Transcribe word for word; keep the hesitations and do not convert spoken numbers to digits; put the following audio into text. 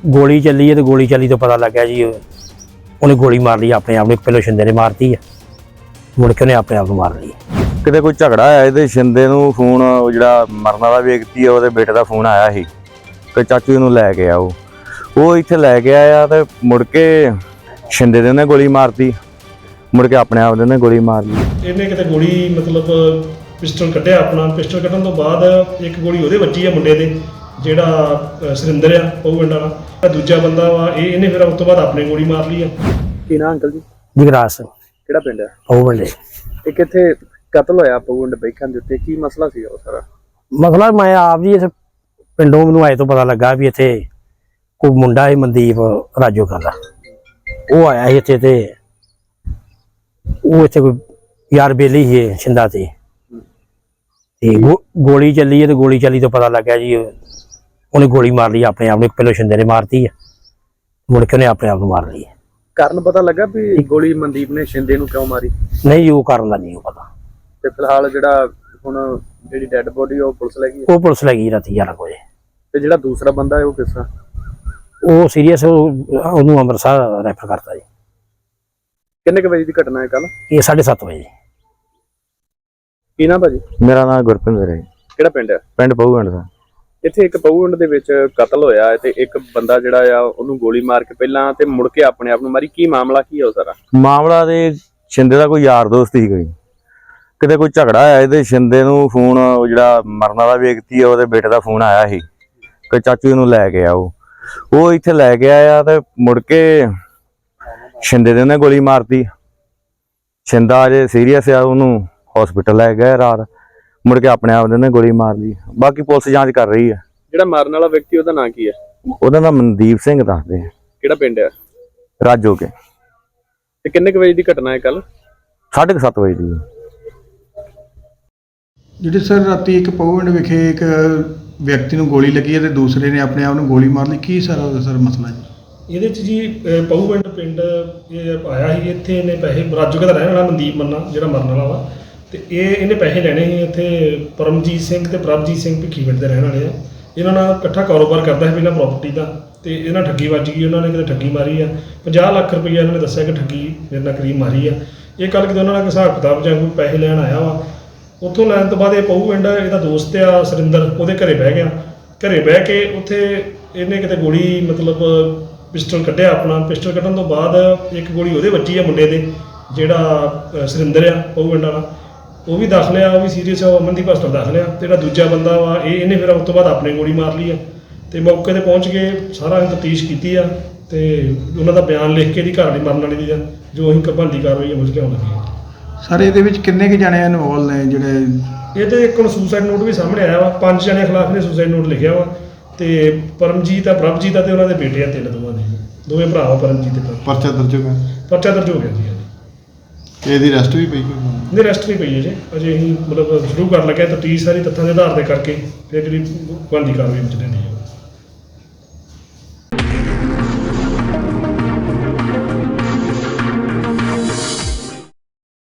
गोली चली है तो गोली चली तो पता लग गया जी उन्हें गोली मार ली अपने आप ने। पहले शिंदे ने मारती है, मुड़ के उन्हें अपने आप को मार ली। किते कोई झगड़ा आया ਇਹਦੇ शिंदे ਨੂੰ ਫੋਨ ਜਿਹੜਾ ਮਰਨ ਵਾਲਾ ਵਿਅਕਤੀ ਹੈ ਉਹਦੇ ਬੇਟੇ ਦਾ ਫੋਨ ਆਇਆ ਸੀ ਕਿ ਚਾਚੂ ਨੂੰ ਲੈ ਕੇ ਆਓ। ਉਹ ਇੱਥੇ ਲੈ ਕੇ ਆਇਆ ਤੇ ਮੁੜ ਕੇ शिंदे ਦੇ ਉਹਨੇ ਗੋਲੀ ਮਾਰਤੀ, ਮੁੜ ਕੇ ਆਪਣੇ ਆਪ ਦੇ ਉਹਨੇ ਗੋਲੀ ਮਾਰ ਲਈ। ਇਹਨੇ ਕਿਤੇ ਗੋਲੀ ਮਤਲਬ ਪਿਸਟਲ ਕੱਢਿਆ ਆਪਣਾ। ਪਿਸਟਲ ਕੱਢਣ ਤੋਂ ਬਾਅਦ ਇੱਕ ਗੋਲੀ ਉਹਦੇ ਵੱਜੀ ਆ ਮੁੰਡੇ ਦੇ, ਜਿਹੜਾ ਸੁਰਿੰਦਰ ਆ ਉਹ ਪਿੰਡ ਵਾਲਾ। ਦੂਜਾ ਬੰਦਾ ਵਾ ਇਹ ਇਹਨੇ ਫਿਰ ਉਸ ਤੋਂ ਬਾਅਦ ਆਪਣੇ ਗੋਲੀ ਮਾਰ ਲਈ ਆ। ਕੀ ਨਾਂ ਅੰਕਲ ਜੀ? ਜਗਰਾਜ ਸਿੰਘ। ਕਿਹੜਾ ਪਿੰਡ ਹੈ ਉਹ ਬੰਦੇ ਇਹ? ਕਿੱਥੇ ਕਤਲ ਹੋਇਆ ਪਗੁੰਡ ਬੈਖਾਂ ਦੇ ਉੱਤੇ? ਕੀ ਮਸਲਾ ਸੀ ਉਹ ਸਾਰਾ? ਮਸਲਾ ਮੈਂ ਆਪ ਜੀ ਇਸ ਪਿੰਡੋਂ ਮੈਨੂੰ ਆਏ ਤੋਂ ਪਤਾ ਲੱਗਾ ਵੀ ਇੱਥੇ ਕੋਈ ਮੁੰਡਾ ਹੈ ਮਨਦੀਪ ਰਾਜੋ ਦਾ, ਉਹ ਆਇਆ ਸੀ ਇੱਥੇ ਤੇ ਉਹ ਇੱਥੇ ਕੋਈ ਯਾਰ ਬੇਲੀ ਸੀ ਛਿੰਦਾ ਤੇ ਤੇ ਗੋਲੀ ਚੱਲੀ ਹੈ ਤੇ ਗੋਲੀ ਚੱਲੀ ਤੋਂ ਪਤਾ ਲੱਗ ਗਿਆ ਜੀ ਉਹਨੇ ਗੋਲੀ ਮਾਰ ਲਈ ਆਪਣੇ ਆਪ ਨੂੰ। ਪਹਿਲੇ ਸ਼ਿੰਦੇ ਨੇ ਮਾਰਤੀ ਹੈ, ਮੁੜ ਕੇ ਉਹਨੇ ਆਪਣੇ ਆਪ ਨੂੰ ਮਾਰ ਲਈ। ਕਾਰਨ ਪਤਾ ਲੱਗਾ ਵੀ ਗੋਲੀ ਮਨਦੀਪ ਨੇ ਸ਼ਿੰਦੇ ਨੂੰ ਕਿਉਂ ਮਾਰੀ? ਨਹੀਂ ਉਹ ਕਾਰਨ ਦਾ ਨਹੀਂ ਪਤਾ। ਤੇ ਫਿਲਹਾਲ ਜਿਹੜਾ ਹੁਣ ਜਿਹੜੀ ਡੈੱਡ ਬੋਡੀ ਉਹ ਪੁਲਿਸ ਲੈ ਗਈ? ਉਹ ਪੁਲਿਸ ਲੈ ਗਈ ਰਾਤੀ ਗਿਆਰਾਂ ਵਜੇ। ਤੇ ਜਿਹੜਾ ਦੂਸਰਾ ਬੰਦਾ ਹੈ ਉਹ ਕਿਸ ਤਰ੍ਹਾਂ? ਉਹ ਸੀਰੀਅਸ, ਉਹਨੂੰ ਅੰਮ੍ਰਿਤਸਰ ਰੈਫਰ ਕਰਤਾ ਜੀ। ਕਿੰਨੇ ਕੁ ਵਜੇ ਦੀ ਘਟਨਾ ਹੈ ਕੱਲ? ਇਹ ਸਾਢੇ ਸੱਤ ਵਜੇ। ਕੀ ਨਾਮ ਭਾਜੀ? ਮੇਰਾ ਨਾਮ ਗੁਰਪਿੰਦਰ ਹੈ। ਕਿਹੜਾ ਪਿੰਡ ਹੈ? ਪਿੰਡ ਪਹੂਗੰਡ ਦਾ। ਇੱਥੇ ਇੱਕ ਪਹੂਗੰਡ ਦੇ ਵਿੱਚ ਕਤਲ ਹੋਇਆ ਹੈ ਤੇ ਇੱਕ ਬੰਦਾ ਜਿਹੜਾ ਆ ਉਹਨੂੰ ਗੋਲੀ ਮਾਰ ਕੇ ਪਹਿਲਾਂ ਤੇ ਮੁੜ ਕੇ ਆਪਣੇ ਆਪ ਨੂੰ ਮਾਰੀ। ਕੀ ਮਾਮਲਾ ਕੀ ਹੈ ਉਹ ਸਾਰਾ? ਮਾਮਲਾ ਦੇ शिंदे ਦਾ ਕੋਈ ਯਾਰ ਦੋਸਤ ਸੀ ਕੋਈ, ਕਿਤੇ ਕੋਈ ਝਗੜਾ ਆਇਆ ਇਹਦੇ शिंदे ਨੂੰ ਫੋਨ ਜਿਹੜਾ ਮਰਨ ਵਾਲਾ ਵਿਅਕਤੀ ਹੈ ਉਹਦੇ ਬੇਟੇ ਦਾ ਫੋਨ ਆਇਆ ਸੀ ਕਿ ਚਾਚੂ ਨੂੰ ਲੈ ਕੇ ਆਓ। ਉਹ ਇੱਥੇ ਲੈ ਕੇ ਆਇਆ ਤੇ ਮੁੜ ਕੇ शिंदे ਦੇ ਉਹਨੇ ਗੋਲੀ ਮਾਰਤੀ। शिंदा ਅਜੇ ਸੀਰੀਅਸ ਆ, ਉਹਨੂੰ ਹਸਪੀਟਲ ਲੈ ਗਏ ਰਾਤ, ਮੁੜ ਕੇ ਆਪਣੇ ਆਪ ਦੇ ਉਹਨੇ ਗੋਲੀ ਮਾਰ ਲਈ। ਬਾਕੀ ਪੁਲਿਸ ਜਾਂਚ ਕਰ ਰਹੀ ਹੈ। ਜਿਹੜਾ ਮਾਰਨ ਵਾਲਾ ਵਿਅਕਤੀ ਉਹਦਾ ਨਾਂ ਕੀ ਹੈ? ਉਹਦਾ ਨਾਮ ਮਨਦੀਪ ਸਿੰਘ ਦੱਸਦੇ ਆ। ਕਿਹੜਾ ਪਿੰਡ ਹੈ? ਰਾਜੋ ਕੇ। ਤੇ ਕਿੰਨੇ ਕੁ ਵਜੇ ਦੀ ਘਟਨਾ ਹੈ ਕੱਲ? ਸਾਢੇ ਕੁ ਸੱਤ ਵਜੇ ਦੀ। ਜਿਹੜੇ ਸਰ ਰਾਤੀ ਇੱਕ ਪਹੁੰਡ ਵਿਖੇ ਇੱਕ ਵਿਅਕਤੀ ਨੂੰ ਗੋਲੀ ਲੱਗੀ ਹੈ ਤੇ ਦੂਸਰੇ ਨੇ ਆਪਣੇ ਆਪ ਨੂੰ ਗੋਲੀ ਮਾਰ ਲਈ, ਕੀ ਸਾਰਾ ਉਹਦਾ ਸਰ ਮਸਲਾ ਜੀ? ਇਹਦੇ 'ਚ ਜੀ ਪਹੂਪਿੰਡ ਪਿੰਡ ਇਹ ਆਇਆ ਸੀ ਇੱਥੇ। ਇਹਨੇ ਪੈਸੇ ਰਾਜੋਕੇ ਦਾ ਰਹਿਣ ਵਾਲਾ ਮਨਦੀਪ ਮੰਨਾ ਜਿਹੜਾ ਮਰਨ ਵਾਲਾ ਵਾ, ਤੇ ਇਹ ਇਹਨੇ ਪੈਸੇ ਲੈਣੇ ਸੀ ਇੱਥੇ। ਪਰਮਜੀਤ ਸਿੰਘ ਤੇ ਪ੍ਰਭਜੀਤ ਸਿੰਘ ਭਿੱਖੀ ਪਿੰਡ ਦੇ ਰਹਿਣ ਵਾਲੇ ਆ। ਇਹਨਾਂ ਨਾਲ ਇਕੱਠਾ ਕਾਰੋਬਾਰ ਕਰਦਾ ਸੀ ਪਹਿਲਾਂ ਪ੍ਰਾਪਰਟੀ ਦਾ, ਤੇ ਇਹਨਾਂ ਠੱਗੀ ਵੱਜ ਗਈ। ਉਹਨਾਂ ਨੇ ਕਿਤੇ ਠੱਗੀ ਮਾਰੀ ਆ, ਪੰਜਾਹ ਲੱਖ ਰੁਪਈਆ ਇਹਨਾਂ ਨੇ ਦੱਸਿਆ ਕਿ ਠੱਗੀ ਮੇਰੇ ਨਾਲ ਕਰੀਬ ਮਾਰੀ ਆ। ਇਹ ਕੱਲ੍ਹ ਕਿਤੇ ਉਹਨਾਂ ਨਾਲ ਹਿਸਾਬ ਕਿਤਾਬ ਜਾਂ ਕੋਈ ਪੈਸੇ ਲੈਣ ਆਇਆ ਵਾ। ਉੱਥੋਂ ਲੈਣ ਤੋਂ ਬਾਅਦ ਇਹ ਪਹੂਪਿੰਡ ਇਹਦਾ ਦੋਸਤ ਆ ਸੁਰਿੰਦਰ, ਉਹਦੇ ਘਰੇ ਬਹਿ ਗਿਆ। ਘਰੇ ਬਹਿ ਕੇ ਉੱਥੇ ਇਹਨੇ ਕਿਤੇ ਗੋਲੀ ਮਤਲਬ ਪਿਸਟਲ ਕੱਢਿਆ ਆਪਣਾ। ਪਿਸਟਲ ਕੱਢਣ ਤੋਂ ਬਾਅਦ ਇੱਕ ਗੋਲੀ ਉਹਦੇ ਵੱਜੀ ਆ ਮੁੰਡੇ ਦੇ, ਜਿਹੜਾ ਸੁਰਿੰਦਰ ਆ ਪਹੂਪਿੰਡ ਵਾਲਾ। ਉਹ ਵੀ ਦਾਖਲ ਆ, ਉਹ ਵੀ ਸੀਰੀਅਸ ਆ, ਉਹ ਅਮਨਦੀਪ ਹਸਪਤਾਲ ਦਾਖਲ ਆ। ਜਿਹੜਾ ਦੂਜਾ ਬੰਦਾ ਵਾ ਇਹ ਇਹਨੇ ਫਿਰ ਉਸ ਤੋਂ ਬਾਅਦ ਆਪਣੇ ਗੋਲੀ ਮਾਰ ਲਈ ਆ। ਤੇ ਮੌਕੇ ਤੇ ਪਹੁੰਚ ਕੇ ਸਾਰਾ ਤਫਤੀਸ਼ ਕੀਤੀ ਆ ਤੇ ਉਹਨਾਂ ਦਾ ਬਿਆਨ ਲਿਖ ਕੇ ਦੀ ਘਰ ਵਾਲੀ ਮਰਨ ਵਾਲੀ ਦੀ ਜੋ ਅਸੀਂ ਬਣਦੀ ਕਾਰਵਾਈ ਅਮਲ 'ਚ ਲਿਆਉਣ ਲੱਗੇ ਆ। ਸਰ ਇਹਦੇ ਵਿੱਚ ਕਿੰਨੇ ਕੁ ਜਾਣੇ ਇਨਵੋਲਵ ਨੇ ਜਿਹੜੇ? ਇਹ ਤੇ ਇੱਕ ਹੁਣ ਸੁਸਾਈਡ ਨੋਟ ਵੀ ਸਾਹਮਣੇ ਆਇਆ ਵਾ। ਪੰਜ ਜਣੇ ਖਿਲਾਫ ਨੇ ਸੁਸਾਈਡ ਨੋਟ ਲਿਖਿਆ ਵਾ, ਤੇ ਪਰਮਜੀਤ ਆ, ਪ੍ਰਭਜੀਤ ਆ ਤੇ ਉਹਨਾਂ ਦੇ ਬੇਟੇ ਆ ਤਿੰਨ, ਦੋਵਾਂ ਦੇ ਦੋਵੇਂ ਭਰਾ ਵਾ ਪਰਮਜੀਤ ਤੇ ਪ੍ਰਭ। ਪਰਚਾ ਦਰਜ ਹੋ ਗਿਆ? ਪਰਚਾ ਦਰਜ ਹੋ ਗਿਆ ਜੀ। ਇਹਦੀ ਰੈਸਟ ਵੀ ਪਈ ਕੋਈ? ਨਹੀਂ, ਰੈਸਟ ਨਹੀਂ ਪਈ ਅਜੇ। ਅਜੇ ਅਸੀਂ ਮਤਲਬ ਸ਼ੁਰੂ ਕਰਨ ਲੱਗੇ ਤਫਤੀਸ਼ ਸਾਰੀ ਤੱਥਾਂ ਦੇ ਆਧਾਰ ਤੇ ਕਰਕੇ ਫਿਰ ਜਿਹੜੀ ਬਣਦੀ ਕਾਰਵਾਈ ਵਿੱਚ ਲੈਂਦੀ ਹੈ।